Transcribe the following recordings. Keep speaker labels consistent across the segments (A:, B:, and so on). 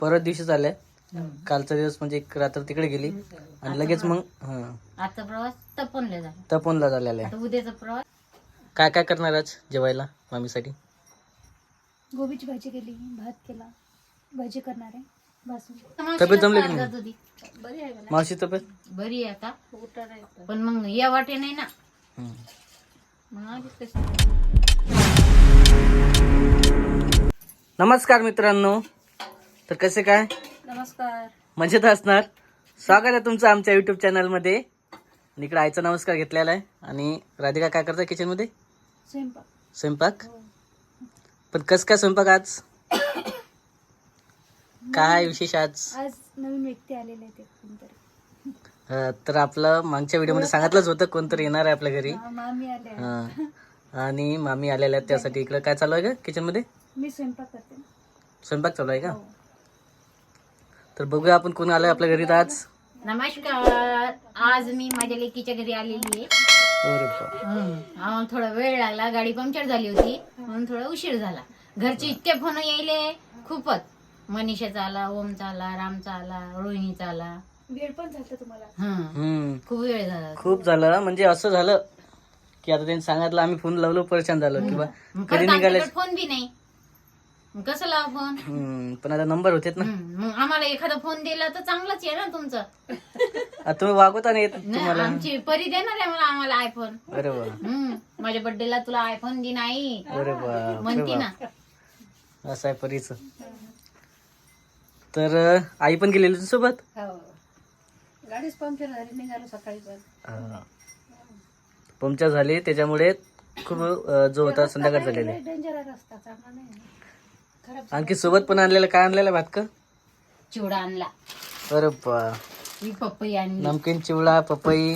A: परत दिवशी झाल्या. कालचा दिवस म्हणजे एक रात्र तिकडे गेली आणि लगेच मग
B: आजचा प्रवास तपोनला
A: झालेला आहे.
B: उद्याचा प्रवास
A: काय काय करणार आज जेवायला मामीसाठी?
C: गोबीची भाजी केली, भात केला, भाजी करणार आहे.
A: तब्येत जमली की नाही?
C: बरी आहे मला.
A: मावशी तब्येत
B: बरी आहे आता, पण मग या वाटे नाही ना. मग आधीच कसं.
A: नमस्कार मित्रांनो, तर कसे काय?
C: नमस्कार.
A: मजेत असणार. स्वागत आहे तुमचं आमच्या युट्यूब चॅनलमध्ये. आणि इकडे आईचा नमस्कार घेतलेला आहे. आणि राधिका काय करते किचनमध्ये? स्वयंपाक. पण कस काय स्वयंपाक आज? काय विशेष आज?
C: आज नवीन व्यक्ती आलेले आहेत कोणतरी.
A: तर आपलं मागच्या व्हिडिओमध्ये सांगितलंच होतं कोणतरी येणार आहे आपल्या घरी.
C: मामी आले.
A: आणि मामी आलेल्या आहेत, त्यासाठी इकडे काय चालू आहे का किचनमध्ये?
C: मी स्वयंपाक करते.
A: स्वयंपाक चालू आहे का? तर बघूया आपण कोण आलंय आपल्या घरी आज.
B: नमस्कार. आज मी माझ्या लेकीच्या घरी आलेली आहे. आम्हाला थोडा वेळ लागला, गाडी पंक्चर झाली होती म्हणून थोडा उशीर झाला. घरचे इतके फोन यायले खूपच. मनीषाचा आला, ओमचा आला, रामचा आला, रोहिणीचा आला.
C: वेळ पण झाला तुम्हाला.
B: खूप वेळ झाला.
A: खूप झालं. म्हणजे असं झालं की आता त्यांनी सांगितलं, आम्ही फोन लावलो, परेशान झालो किंवा कधी निघाले.
B: फोन बी नाही, मग कसं लावा फोन?
A: पण आता नंबर होते ना.
B: मग आम्हाला एखादा फोन दिला तर चांगलाच आहे ना तुमचं.
A: आता तुम्ही वागवता नाही येत तुम्हाला.
B: आमची परी देणार आहे मला आम्हाला आयफोन.
A: अरे वा.
B: माझ्या बर्थडेला तुला आयफोन दे नाही
A: अरे वा
B: म्हणती ना.
A: असं आहे परीच. तर आई पण गेलेली होती सोबत.
C: गाडीच पंक्चर झाली, निघालो सकाळी पण.
A: पंक्चर झाली त्याच्यामुळे खूप जो होता संध्याकाळ झालेली.
C: डेंजर रस्ता चांगला नाही.
A: आणखी सोबत पण आणलेलं काय आणलेलं भात का?
B: चिवडा आणला.
A: अरे बा.
B: ही पपई आणली.
A: नमकीन चिवडा, पपई.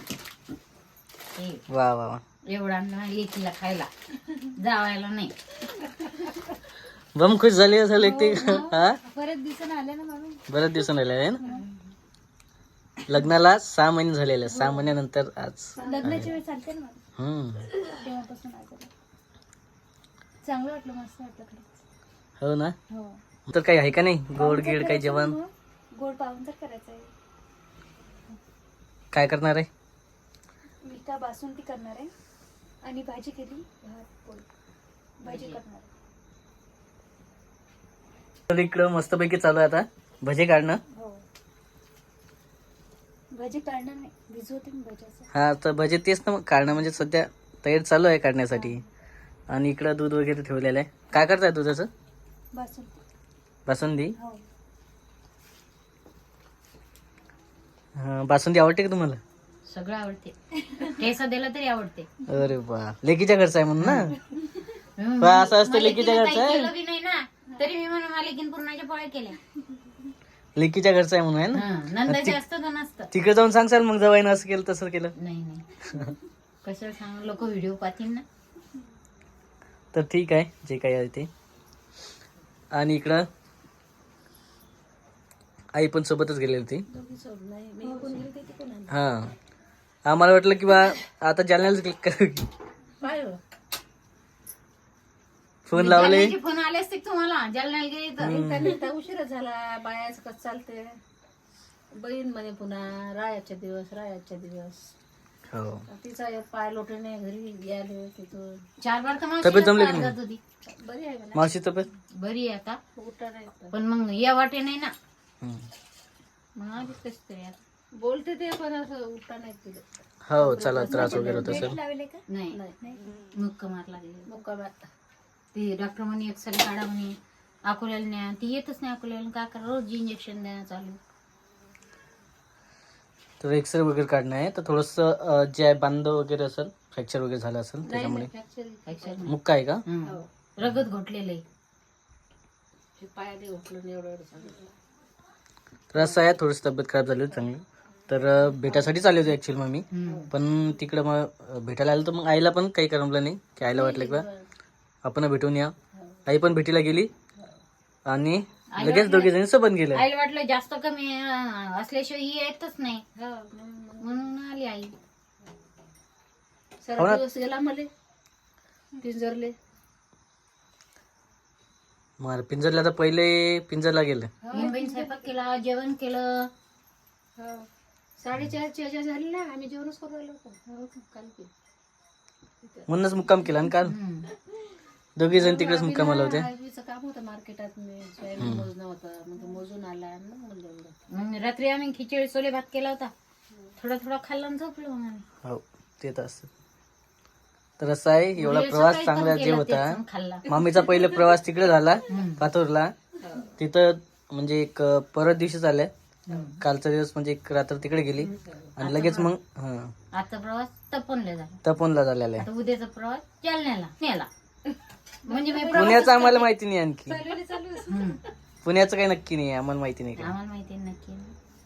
A: वा वा वा.
B: एवढा आणला लेकीला खायला, जावायला नाही.
A: बम खुश झाली असेल एक ते.
C: बरेच दिवसांनी आले ना मामी.
A: बरेच दिवसांनी आले आहे ना. लग्नाला 6 महिने झालेले. 6 महिन्यानंतर आज
C: लग्नाची वेळ चालते ना मामी. तेव्हापासून आले. चांगलं वाटलं, मस्त वाटलं.
A: हो ना.
C: हो.
A: तर काही आहे का नाही गोड गिड काही जेवण?
C: गोड पाहून तर करायचं आहे.
A: काय करणार आहे?
C: मी का बासुंदी करणार आहे आणि भाजी केली, भात पोळी. भाजी करणार आहे.
A: तर इकडं मस्तपैकी चालू आहे आता भजे काढणं.
C: हो. भजी काढणार नाही, भिजवते मी भज्याचं.
A: हा, तर भजे तेच ना मग काढणं, म्हणजे सध्या तयारी चालू आहे काढण्यासाठी. आणि इकडं दूध वगैरे ठेवलेलं आहे. काय करताय दुधाचं? बासुंदी.
C: हो.
A: बासुंदी आवडते का तुम्हाला?
B: सगळं आवडते. ठेसा दिला तरी आवडते.
A: अरे बा, लेकीच्या घरचं आहे म्हणून ना. असं असतं, लेकीच्या घरचं आहे.
B: केलं बी नाही ना तरी मी म्हणून लेकीन पूर्णाच्या पोळ्या केल्या.
A: लेकीच्या घरचं आहे म्हणून आहे ना.
B: नंदाचे असतं का नसतं?
A: तिकडे जाऊन सांगशाल मग जवाईनं असं केलं तसं केलं.
B: नाही कसं सांग, लोक व्हिडिओ पाहतील ना.
A: तर ठीक आहे, जे काही आहे ते. आणि इकडं आई पण सोबतच गेलेली होती. हा, आम्हाला वाटलं की बा आता जालन्याला क्लिक कर. फोन लावले.
B: फोन आले असते तुम्हाला जालन्याला गेले तर.
C: उशीर झाला. बायाच कसं चालते. बहीण म्हणे पुन्हा रायाच्या दिवस.
A: हो.
C: तिचा एक पाय लोटणे घरी गेले तिथून
B: 4 बार तर
A: तब्येत जमली की
B: जात होती.
C: बरी आहे मला.
A: मावशी तब्येत
B: बरी आहे आता,
C: उठा नाही.
B: पण मग या वाटे नाही ना. मग आधीच कसं तरी आता.
C: बोलते ते पण असं उठा नाही तिथे.
A: हो, चला त्रास वगैरे होत असेल.
B: नाही मुक्का मारला गेला.
C: मुक्कामात.
B: ते डॉक्टर म्हणे एक्सरे काढा म्हणे, अकोल्याला न्या. ती येतच नाही अकोल्याला. काय करा, रोज इंजेक्शन द्या चालू.
A: तर एक्सरे वगैरे काढणं आहे. तर थोडंसं जे आहे बांध वगैरे असेल, फ्रॅक्चर वगैरे झालं असेल त्याच्यामुळे. मुक्का आहे का?
B: रगत घोटलेलं आहे.
C: पायाने उठलं एवढं सांगितलं.
A: तर असं आहे, थोडीशी तब्येत खराब झाली होती चांगली. तर भेटायसाठी चालले होते ऍक्च्युअली मग मी. पण तिकडं मग भेटायला आलं तर मग आईला पण काही करमलं नाही. की आईला वाटलं की बा आपण भेटून या. आई पण भेटीला गेली आणि लगेच दोघे जणी सोबत गेले.
B: आईला वाटलं जास्त कमी असल्याशिवाय ही येतच नाही म्हणून आली आई.
C: सारा दिवस गेला मला पिंजरले.
A: मग पिंजरला तर पहिले पिंजरला गेलं.
B: मुंबईत स्वयंपाक केला, जेवण केलं.
C: 4:30ची ह्याच्या झाली ना, आम्ही जेवणच करू राहिलो होतो काल की.
A: म्हणूनच मुक्काम केला आणि काल दोघी जण तिकडेच मुक्कामाला होते.
C: आईचं काम होतं मार्केटात, मी सोयाबीन मोजणं होतं, मग तो मोजून आला आणि मग म्हणलं एवढं.
B: मग रात्री आम्ही खिचडी छोले भात केला होता. थोडा थोडा खाल्ला आणि झोपलो मग आम्ही.
A: हो ते तर असत. तर असं आहे, एवढा प्रवास चांगला जे होता.
B: खाल्ला.
A: मामीचा पहिले प्रवास तिकडे झाला पाथोरला. तिथं म्हणजे एक परत दिवशी झाल्या. कालचा दिवस म्हणजे एक रात्र तिकडे गेली आणि लगेच मग
B: आजचा प्रवास तपनला झाला.
A: तपोनला झालेला आहे.
B: आता उद्याचा प्रवास जालन्याला नेला. म्हणजे मी
A: पुण्याचं आम्हाला माहिती नाही आणखी.
B: हम्म.
A: पुण्याचं काही नक्की नाही, आम्हाला माहिती नाही काही.
B: आम्हाला माहिती आहे नक्की.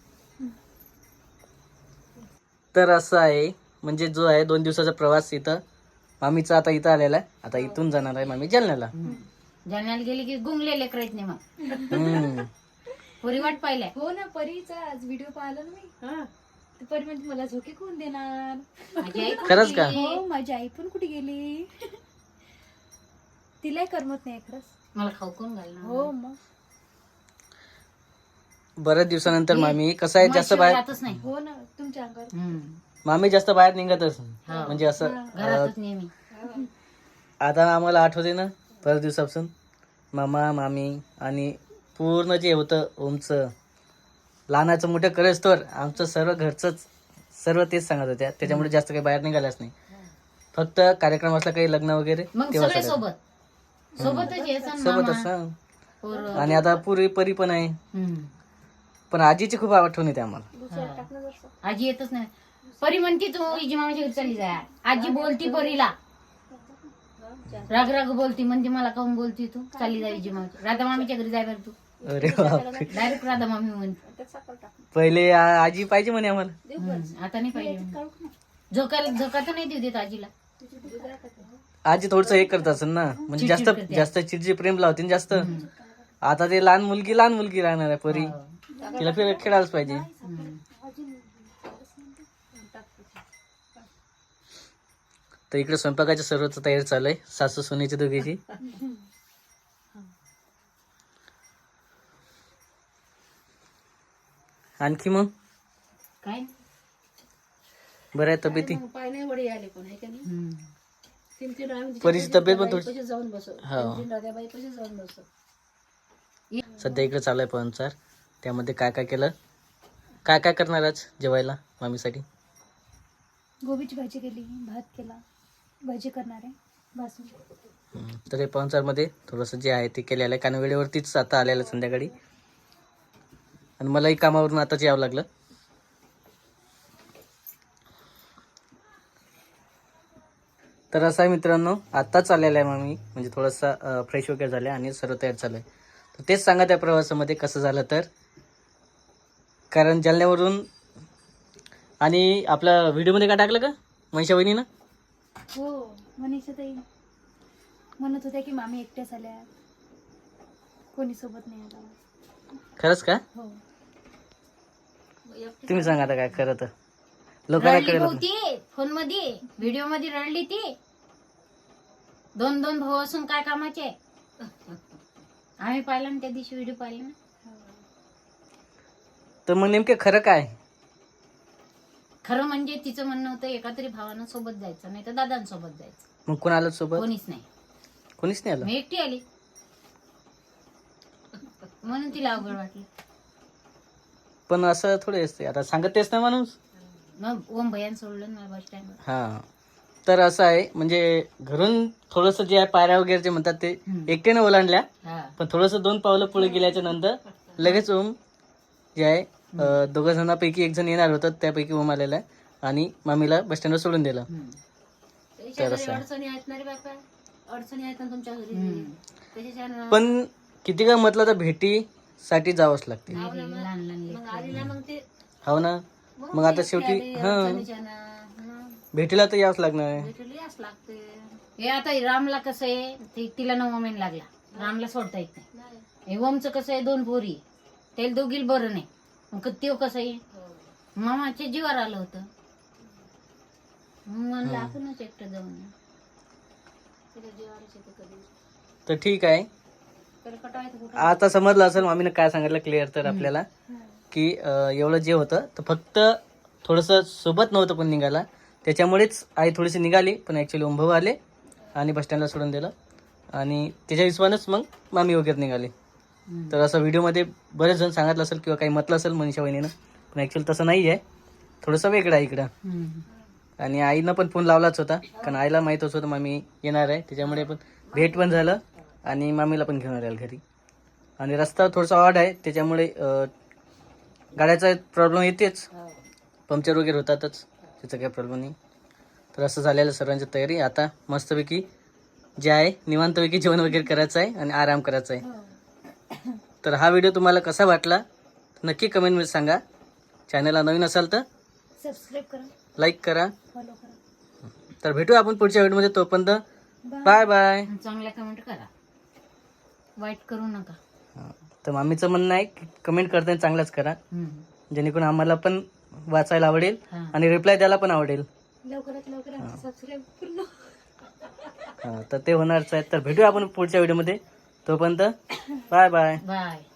A: तर असं आहे, म्हणजे जो आहे 2 दिवसाचा प्रवास इथं मामीचा आता इथं आलेला आहे. आता इथून जाणार आहे मामी जालन्याला.
B: जालन्याला गेली की गुंगलेले करत नाही मग.
A: हम्म.
B: पुरी वाट पाहिल्या.
C: हो ना, परीचा आज व्हिडिओ पाहिला ना मी. तर परी म्हणजे मला झोके कोण देणार.
B: माझी आई
A: खरंच का?
C: हो, माझी आई पण कुठे गेली. तिलाही करमत नाही खरंच.
B: मला खाऊ कोण घालणार.
C: हो मग.
A: बऱ्याच दिवसानंतर मामी कसं आहे, जास्त बाहेर
B: घरातच नाही.
C: हो ना, तुमच्या अंगावर.
A: मामी जास्त बाहेर निघतच नाही.
B: हा.
A: म्हणजे असं
B: घरातच नेहमी.
A: आता आम्हाला आठवते ना बऱ्याच दिवसापासून मामा मामी आणि पूर्ण जे होतं ओमचं लहानाचं मोठं करेच तर आमचं सर्व घरचंच सर्व तेच सांगत होत्या. त्याच्यामुळे जास्त काही बाहेर निघाल्याच नाही. फक्त कार्यक्रम असला काही लग्न वगैरे
B: मग
A: तेव्हा
B: सगळे
A: सगळं.
B: सोबतच यायचं ना
A: सोबत
B: मामा.
A: असं.
B: पोरं.
A: आणि आता पुरी परी पण आहे.
B: हम्म.
A: पण आजीची खूप आठवण येते आम्हाला.
B: आजी येतच नाही. परी म्हणती तू इजी मामाच्या घरी चालली जाय. आजी बोलती परीला, राग राग बोलती. म्हणते मला काहून बोलती तू, चालली जाय इजी मामाच्या. राधा मामीच्या घरी जाय बरं तू.
A: अरे बापरे.
B: डायरेक्ट राधा मामी म्हणते.
A: पहिले आजी पाहिजे म्हणे आम्हाला.
B: आता नाही पाहिजे. झोका तर नाही देऊ देत आजीला.
A: आजी थोडस हे करत असेल ना, म्हणजे जास्त
B: चिडचिड करते.
A: जास्त चिडची प्रेम लावते ना जास्त. आता ते लहान मुलगी राहणार आहे परी. तिला खेळायलाच पाहिजे. तर इकडे स्वयंपाकाच्या सर्वच तयारी चालू आहे सासू सुनेची दोघीची. आणखी मग
B: काय
A: बरं आहे तब्येती.
C: पाय नाही वडी आले पण आहे का नाही. 3-3 आम्ही
A: परीची तब्येत पण थोडी
C: तिच्यापाशी जाऊन बसो.
A: हा.
C: 3 राधाबाईपाशी जाऊन बसो.
A: सध्या इकडे चालू आहे पाहुणचार. त्यामध्ये काय काय केलं, काय काय करणार आज जेवायला मामीसाठी.
C: गोबीची भाजी केली, भात केला, भाजी करणार आहे भासून.
A: तर हे पाहुणचारमध्ये थोडंसं जे आहे ते केलेलं आहे, कारण वेळेवरतीच आता आलेलं संध्याकाळी. आणि मलाही कामावरून आताच यावं लागलं. तर असं आहे मित्रांनो, आत्ताच आलेलं आहे मामी, म्हणजे थोडंसं फ्रेश वगैरे झालं आणि सर्व तयार झालं आहे. तर तेच सांगा त्या प्रवासामध्ये कसं झालं तर. कारण जालन्यावरून आणि आपल्या व्हिडिओमध्ये काय टाकलं का मनीषा वहिनीनं.
C: हो, मनीषा ताई म्हणत होत्या की मामी एकट्याच आल्या, कोणी सोबत नाही आला.
A: खरंच का.
C: हो.
A: तुम्ही सांगा आता काय खरं तर. लोकांना
B: रडली
A: कळलं
B: होती फोन मध्ये, व्हिडिओ मध्ये रडली ती. 2 भाऊ असून काय कामाचे. आम्ही पाहिलं ना त्या दिवशी व्हिडिओ पाहिला ना.
A: तर मग नेमके खरं काय.
B: खरं म्हणजे तिचं म्हणणं होतं एका तरी भावानं सोबत जायचं, नाही तर दादांसोबत जायचं.
A: मग कोण आलं सोबत.
B: कोणीच नाही.
A: कोणीच नाही आलं.
B: मी एकटी आली म्हणून तिला अवघड वाटली.
A: पण असं थोडे असते, आता सांगत तेच ना माणूस.
B: मग ओम भैयान सोडलं ना बस स्टँड.
A: हा. तर असं आहे, म्हणजे घरून थोडंसं जे आहे पायऱ्या वगैरे जे म्हणतात ते एकट्याने ओलांडल्या.
B: हा.
A: पण थोडंसं 2 पावलं पुढे गेल्याच्या नंतर लगेच ओम जे आहे 2 जणांपैकी 1 जण येणार होतं, त्यापैकी ओम आलेला आहे आणि मामीला बस स्टँडवर सोडून दिलं. तर असं आहे.
C: अडचणी आहेत ना रे बापा, अडचणी आहेत ना तुमच्या घरी. त्याच्यानं
A: पण किती काय म्हटलं तर भेटीसाठी जावंच लागते.
B: लहान लहान
C: मग आली ना, मग ते
A: हो ना. मग आता शेवटी भेटीला तर यावंच लागणार आहे.
C: भेटलीच लागते.
B: हे आता रामला कसं आहे, तिला 9 महिने लागला. रामला सोडता येत नाही. हे ओमचं कसं आहे, 2 पोरी, त्याला दोघीला बरं नाही. मग त्यो कसं आहे, मामाच्या जीवावर आलं होतं. म्हणलं आपणच एकटं जाऊन.
A: तर ठीक आहे.
B: तर कटवायचं कुठं?
A: आता समजलं असेल मामीनं काय सांगितलं क्लिअर तर आपल्याला की एवढं जे होतं तर फक्त थोडंसं सोबत नव्हतं पण निघाला, त्याच्यामुळेच आई थोडीशी निघाली, पण ॲक्च्युली ओंभाऊ आले आणि बस स्टँडला सोडून दिलं आणि त्याच्या हिशोबानंच मग मामी वगैरे निघाली. तर असं व्हिडिओमध्ये बरेच जण सांगितलं असेल किंवा काही म्हटलं असेल मनीषा वहिनीनं, पण ॲक्च्युअली तसं नाही आहे, थोडंसं वेगळं आहे इकडं. आणि आईनं पण फोन लावलाच होता, कारण आईला माहीतच होतं मामी येणार आहे, त्याच्यामुळे पण भेट पण झालं आणि मामीला पण घेऊन आलं घरी. आणि रस्ता थोडासा ऑड आहे, त्याच्यामुळे गाड्याचा प्रॉब्लेम येतेच, पंक्चर वगैरे होतातच, त्याचा काही प्रॉब्लेम नाही. तर असं झालेलं सर्वांची तयारी. आता मस्तपैकी जे आहे निवांतपैकी जेवण वगैरे करायचं आहे आणि आराम करायचा आहे. तर हा व्हिडिओ तुम्हाला कसा वाटला नक्की कमेंटमध्ये सांगा. चॅनलला नवीन असाल तर
C: सबस्क्राईब करा,
A: लाईक करा.
C: फॉलो करा.
A: तर भेटू आपण पुढच्या व्हिडिओमध्ये. तोपर्यंत बाय बाय.
B: चांगल्या कमेंट करा, वाईट करू नका.
A: तर मामीचं म्हणणं आहे की कमेंट करताना चांगलाच करा, जेणेकरून आम्हाला पण वाचायला आवडेल आणि रिप्लाय द्यायला पण आवडेल.
C: लवकरात लवकर सबस्क्राईब पूर्ण.
A: तर ते होणारच आहे. तर भेटूया आपण पुढच्या व्हिडिओमध्ये. तोपर्यंत बाय बाय.
B: बाय.